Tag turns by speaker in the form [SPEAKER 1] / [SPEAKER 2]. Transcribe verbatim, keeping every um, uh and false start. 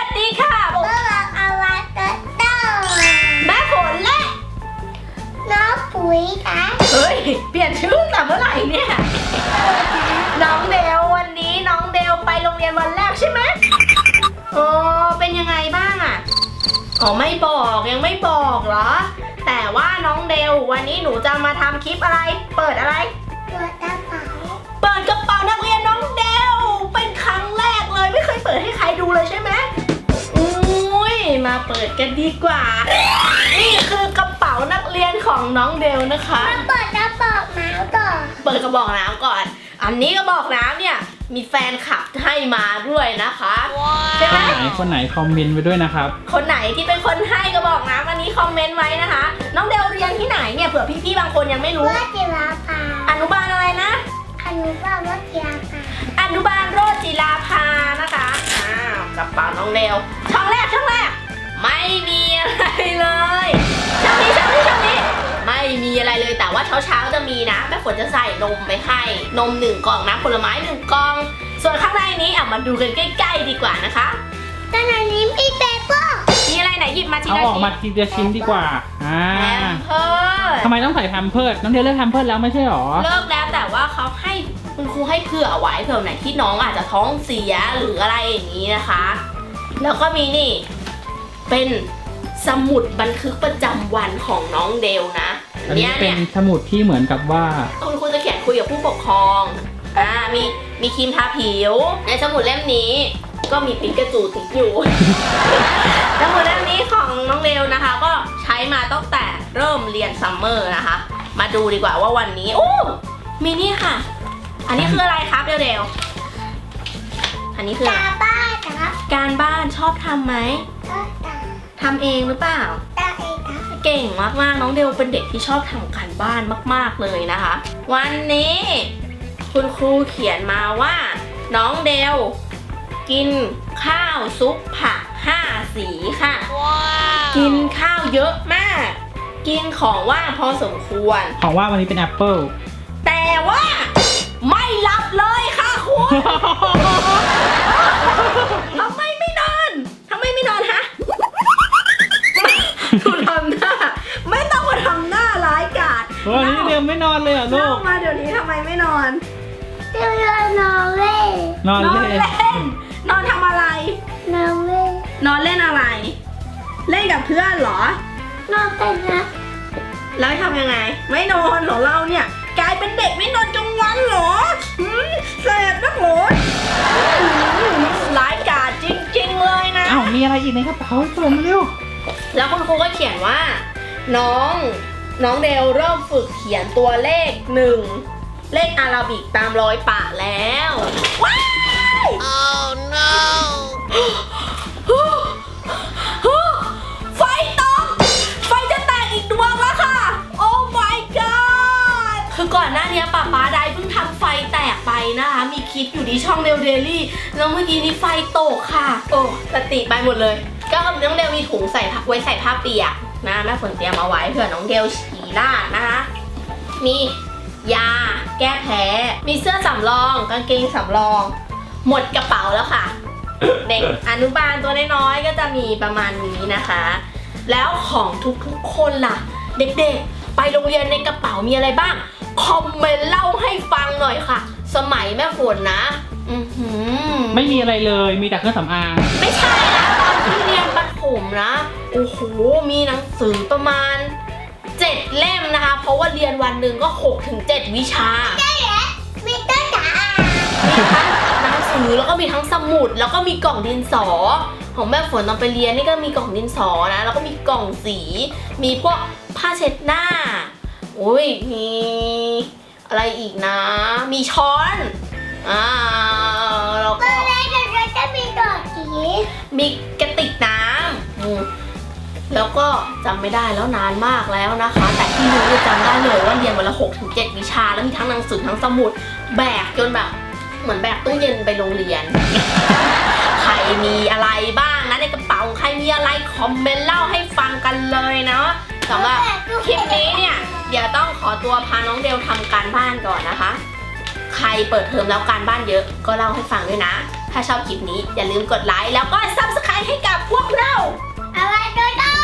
[SPEAKER 1] ดีค่ะ
[SPEAKER 2] เมื่อวานเอาไว้ก็เต้า
[SPEAKER 1] แม่ฝนและ
[SPEAKER 2] น้องปุ๋ยค่ะ
[SPEAKER 1] เฮ้ยเปลี่ยนชื่อแต่เมื่อไหร่เนี่ยน้องเดลวันนี้น้องเดลไปโรงเรียนวันแรกใช่ไหมโอ้เป็นยังไงบ้างอ่ะอ๋อไม่บอกยังไม่บอกเหรอแต่ว่าน้องเดลวันนี้หนูจะมาทำคลิปอะไรเปิดอะไร
[SPEAKER 2] ตัวกระเป๋า
[SPEAKER 1] เปิดกระเป๋านักเรียนน้องเดลเป็นครั้งแรกเลยไม่เคยเปิดให้ใครดูเลยใช่ไหมอุ้ยมาเปิดกันดีกว่านี่คือกระเป๋านักเรียนของน้องเดลนะคะ
[SPEAKER 2] มาเปิดกระเป๋าน้ำก่อน
[SPEAKER 1] เปิดกระบอกน้ำก่อน อันนี้กระบอกน้ำเนี่ยมีแฟนคลับให้มาด้วยนะคะใช่ไหม
[SPEAKER 3] ไหนคนไหนคอมเมนต์ไปด้วยนะครับ
[SPEAKER 1] คนไหนที่เป็นคนให้กระบอกน้ำอันนี้คอมเมนต์ไว้นะคะ น้องเดลเรียนที่ไหนเนี่ยเผื่อพี่ๆบางคนยังไม่รู้
[SPEAKER 2] เพื่อจิราภา
[SPEAKER 1] อนุบาลอะไรนะ
[SPEAKER 2] อนุบาลว่าจิราภา
[SPEAKER 1] อนุบาลโรจน์จิราภานะคะอ้าวกระเป๋าน้องเดลช่องแรกช่องแรกไม่มีอะไรเลยช่องนี้ช่องนี้ช่องนี้ไม่มีอะไรเลยแต่ว่าเช้าเช้าๆจะมีนะแม่ฝนจะใส่นมไปให้นมหนึ่งกล่องนะผลไม้หนึ่งกล่อง ส่วนข้างในนี้อ่ะมาดูกันใกล้ๆดีกว่านะคะ
[SPEAKER 2] ตอนนี้มีเปเปอร์
[SPEAKER 1] มีอะไรไหนหยิบมาที
[SPEAKER 3] เอา
[SPEAKER 1] ละ
[SPEAKER 3] ออก
[SPEAKER 1] ชิ้
[SPEAKER 3] มาน ทีละชิ้นดีกว่าอ่า
[SPEAKER 1] แพมเพิร์ส
[SPEAKER 3] ทำไมต้องใส่แพมเพิร์สน้องเทลเลิกแพมเพิร์สแล้วไม่ใช่หรอ
[SPEAKER 1] เลิกแล้วแต่ว่าเขาให้คุณครูให้เผื่อไว้เผื่อไหนที่น้องอาจจะท้องเสียหรืออะไรอย่างนี้นะคะ แล้วก็มีนี่เป็นสมุดบันทึกประจำวันของน้องเดลนะ
[SPEAKER 3] อันนี้
[SPEAKER 1] เนี่ย
[SPEAKER 3] เป็
[SPEAKER 1] เนี่
[SPEAKER 3] น
[SPEAKER 1] ย
[SPEAKER 3] สมุดที่เหมือนกับว่า
[SPEAKER 1] คุณครูจะเขียนคุยกับผู้ปกครองอ่ามีมีครีมทาผิวในสมุดเล่มนี้ ก็มีปิกาจูติดอยู่ สมุดเล่มนี้ของน้องเดลนะคะ ก็ใช้มาตั้งแต่เริ่มเรียนซัมเมอร์นะคะ มาดูดีกว่าว่าวันนี้โอ้มีนี่ค่ะ อันนี้คืออะไรครับเดลเดลอันนี้คืออะไร
[SPEAKER 2] ตาบ้าครับ
[SPEAKER 1] การบ้านชอบทำไหม
[SPEAKER 2] ก็ตา
[SPEAKER 1] ทำเองหรือเปล่า
[SPEAKER 2] ตาเองครับ
[SPEAKER 1] เก่งมากๆน้องเดลเป็นเด็กที่ชอบทำการบ้านมากๆเลยนะคะ วันนี้คุณครูเขียนมาว่า น้องเดลกินข้าวซุปผักห้าสีค่ะ กินข้าวเยอะมาก กินของว่างพอสมควร
[SPEAKER 3] ของว่าวันนี้เป็นแอปเปิล
[SPEAKER 1] แต่ว่าไม่รับเลยค่ะคุณทำไมไม่นอนทำไมไม่นอนฮะดูทำหน้าไม่ต้องมาทำหน้าร้ายกาจ
[SPEAKER 3] วันนี้เดลไม่นอนเลยเหรอลู
[SPEAKER 1] เล่าก มาเดี๋ยวนี้ทำไมไม่นอน
[SPEAKER 2] เดี๋ยวนอนเล่น
[SPEAKER 3] นอน
[SPEAKER 1] นอน
[SPEAKER 3] เล่น
[SPEAKER 1] เล่นนอนทำอะไร
[SPEAKER 2] นอนเล่น
[SPEAKER 1] นอนเล่นอะไร เล่นกับเพื่อนเหรอ
[SPEAKER 2] นอนเป็นนะ
[SPEAKER 1] แล้วทำยังไง ไม่นอนของเราเนี่ย กลายเป็นเด็กไม่นอนกลางวันเหรอหืมแสบนักหรอร้ายกาจจริงๆเลยนะ
[SPEAKER 3] อ้าวมีอะไรอีกในกระเป๋าเปิดมาเร็ว
[SPEAKER 1] แล้วคุณครูก็เขียนว่า น้องน้องเดลเริ่มฝึกเขียนตัวเลขหนึ่งเลขอาราบิกตามรอยปะแล้วว้าย oh no ไฟตกไฟจะแตกอีกดวงแล้วค่ะ โอ้ my god คือก่อนหน้านี้ป๊าป๊าได้เพิ่งทำไฟแตกไปนะคะ มีคลิปอยู่ที่ช่องเดลเดลี่แล้วเมื่อกี้นี้ไฟตกค่ะ โอ้สติไปหมดเลย ก็น้องเดลมีถุงใส่ไว้ใส่ผ้าเปียกนะแม่ฝนเตรียมเอาไว้เผื่อน้องเดลฉี่ราดนะคะ มียาแก้แพ้ มีเสื้อสำรองกางเกงสำรอง หมดกระเป๋าแล้วค่ะ เด็กอนุบาลตัวน้อยๆก็จะมีประมาณนี้นะคะ แล้วของทุกๆคนล่ะ เด็กๆไปโรงเรียนในกระเป๋ามีอะไรบ้างคอมเมนต์เล่าให้ฟังหน่อยค่ะ สมัยแม่ฝนนะอือหือ
[SPEAKER 3] ไม่มีอะไรเลยมีแต่เครื่องสำอาง
[SPEAKER 1] ไม่ใช่นะตอนที่เรียนประถมนะโอ้โหมีหนังสือประมาณเจ็ดเล่มนะคะ เพราะว่าเรียนวันหนึ่งก็หกถึงเจ็ดวิชา
[SPEAKER 2] ได้แล้วมีต้นจ๋า
[SPEAKER 1] มีทั้งหนังสือแล้วก็มีทั้งสมุดแล้วก็มีกล่องดินสอ ของแม่ฝนตอนไปเรียนนี่ก็มีกล่องดินสอนะแล้วก็มีกล่องสี มีพวกผ้าเช็ดหน้าโอ้ยมีอะไรอีกนะ มีช้อนอ่าแล้ว
[SPEAKER 2] ต
[SPEAKER 1] ก็
[SPEAKER 2] อนแรกเราจะมีดอกกี
[SPEAKER 1] มีกระติกน้ำอืมแล้วก็จำไม่ได้แล้วนานมากแล้วนะคะ แต่ที่รู้จะจำได้เลยว่าเรียนวันละหกถึงเจ็ดวิชาแล้วมีทั้งหนังสือทั้งสมุดแบกจนแบบเหมือนแบกตู้เย็นไปโรงเรียน ใครมีอะไรบ้างนะในกระเป๋าใครมีอะไรคอมเมนต์เล่าให้ฟังกันเลยเนาะสำหรับคลิปนี้เนี่ยเดี๋ยวต้องขอตัวพาน้องเดลทำการบ้านก่อนนะคะ ใครเปิดเทอมแล้วการบ้านเยอะก็เล่าให้ฟังด้วยนะถ้าชอบคลิปนี้อย่าลืมกดไลค์แล้วก็ ซับสไครบ์ ให้กับพวกเรา
[SPEAKER 2] อะไรก็ได้